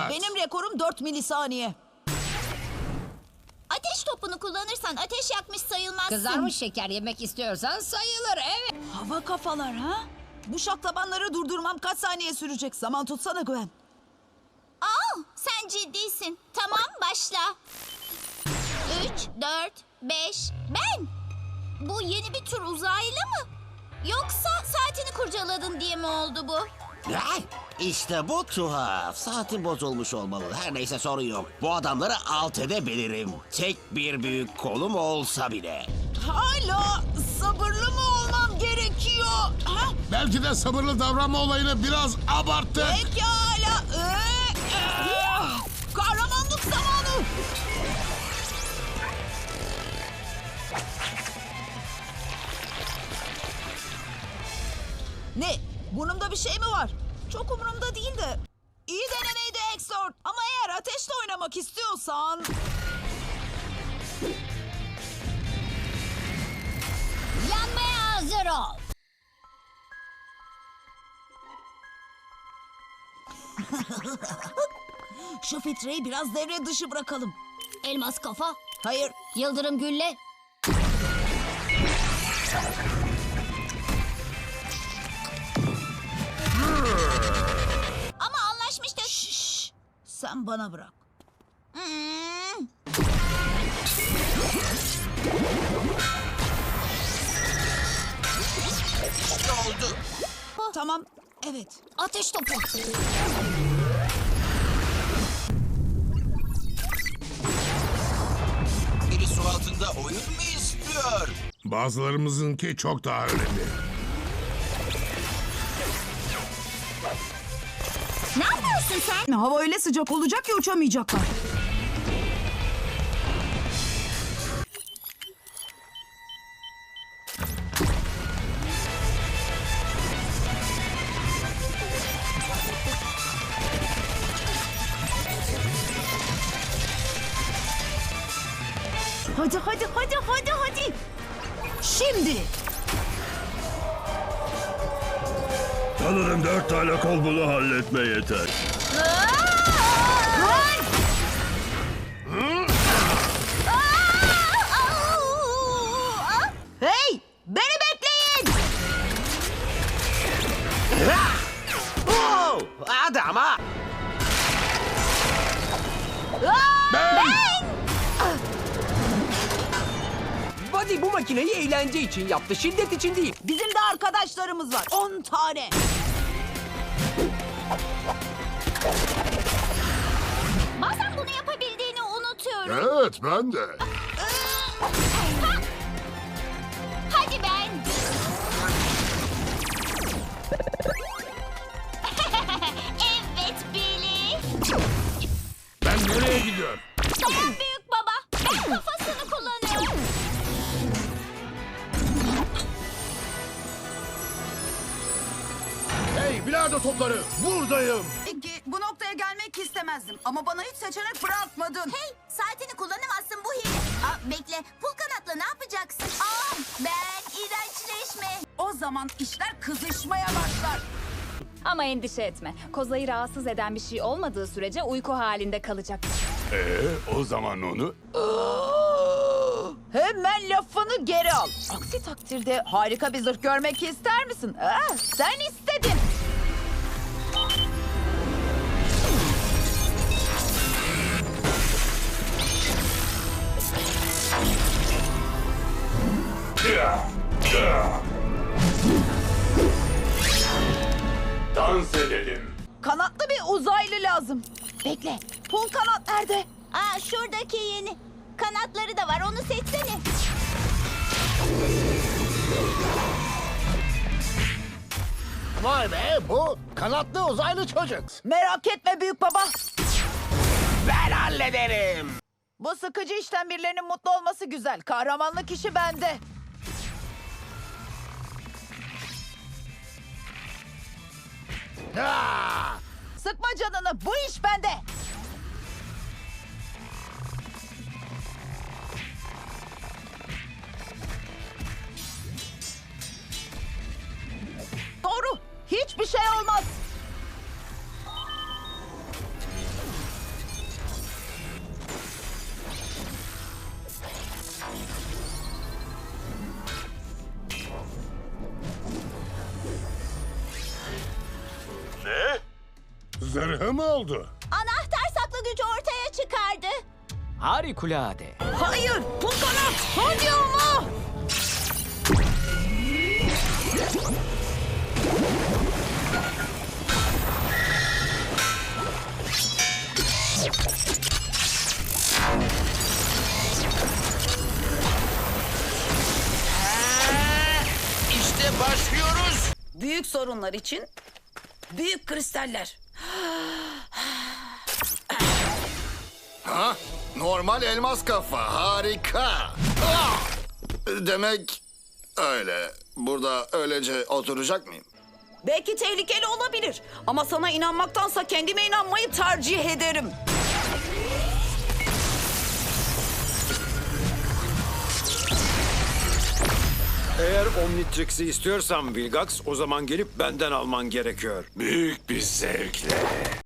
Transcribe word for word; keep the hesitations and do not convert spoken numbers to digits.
Benim rekorum dört milisaniye. Ateş topunu kullanırsan ateş yakmış sayılmazsın. Kızarmış şeker yemek istiyorsan sayılır, evet. Hava kafalar ha? Bu şaklabanları durdurmam kaç saniye sürecek? Zaman tutsana Gwen. Aa, sen ciddisin. Tamam, başla. Üç, dört, beş, ben. Bu yeni bir tür uzaylı mı? Yoksa saatini kurcaladın diye mi oldu bu? Ne? İşte bu tuhaf. Saatin bozulmuş olmalı. Her neyse sorun yok. Bu adamları alt edebilirim. Tek bir büyük kolum olsa bile. Hala sabırlı mı olmam gerekiyor? Ha? Belki de sabırlı davranma olayını biraz abarttık. Pekala. Ee, ee, kahramanlık zamanı. Ne? Burnumda bir şey mi var? Çok umurumda değil de. İyi denemeydi Exort. Ama eğer ateşle oynamak istiyorsan... Yanmaya hazır ol. Şu filtreyi biraz devre dışı bırakalım. Elmas kafa, Hayır. yıldırım gülle. Ama anlaşmıştık. Şşş. Sen bana bırak. Hmm. Ne oldu? Tamam. Evet. Ateş topu. Biri su altında oyun mu istiyor? Bazılarımızınki çok daha önemli. Ne yapıyorsun sen? Hava öyle sıcak olacak ki uçamayacaklar. Hadi hadi hadi hadi hadi. Şimdi. Sanırım dört tane kol bunu halletme yeter. Hey! Beni bekleyin! Oh, hadi ama. Buddy bu makineyi eğlence için yaptı, şiddet için değil. Bizim de arkadaşlarımız var. On tane. Bazen bunu yapabildiğini unutuyorum. Evet, ben de. Hadi ben. Evet Billy. Ben nereye gidiyorum? Dayan büyük baba. Ben kafasını kullanıyorum. Hey, bilardo topları, buradayım. Peki bu noktaya gelmek istemezdim. Ama bana hiç seçenek bırakmadın. Hey, saatini kullanamazsın bu hile. Aa, bekle, pul kanatla ne yapacaksın? Aa, ben iğrençleşme. O zaman işler kızışmaya başlar. Ama endişe etme. Kozayı rahatsız eden bir şey olmadığı sürece uyku halinde kalacak. Ee, o zaman onu... Hemen lafını geri al. Aksi takdirde harika bir zırh görmek ister misin? Aa, sen istedin. Dans edelim. Kanatlı bir uzaylı lazım. Bekle. Pul kanat nerede? Aa, şuradaki yeni. Kanatları da var, onu seçsene. Vay be, bu kanatlı uzaylı çocuk. Merak etme büyük baba. Ben hallederim. Bu sıkıcı işten birilerinin mutlu olması güzel. Kahramanlık işi bende. Ha! Sıkma canını. Bu iş bende. Doğru. Hiçbir şey olmaz. zırhı mı oldu? Anahtar saklı gücü ortaya çıkardı. Harikulade. Hayır, Pulkanat. Hadi ama. İşte başlıyoruz. Büyük sorunlar için büyük kristaller. Ha? Normal elmas kafa. Harika. Ah! Demek öyle. Burada öylece oturacak mıyım? Belki tehlikeli olabilir. Ama sana inanmaktansa kendime inanmayı tercih ederim. Eğer Omnitrix'i istiyorsan Vilgax, o zaman gelip benden alman gerekiyor. Büyük bir zevkle.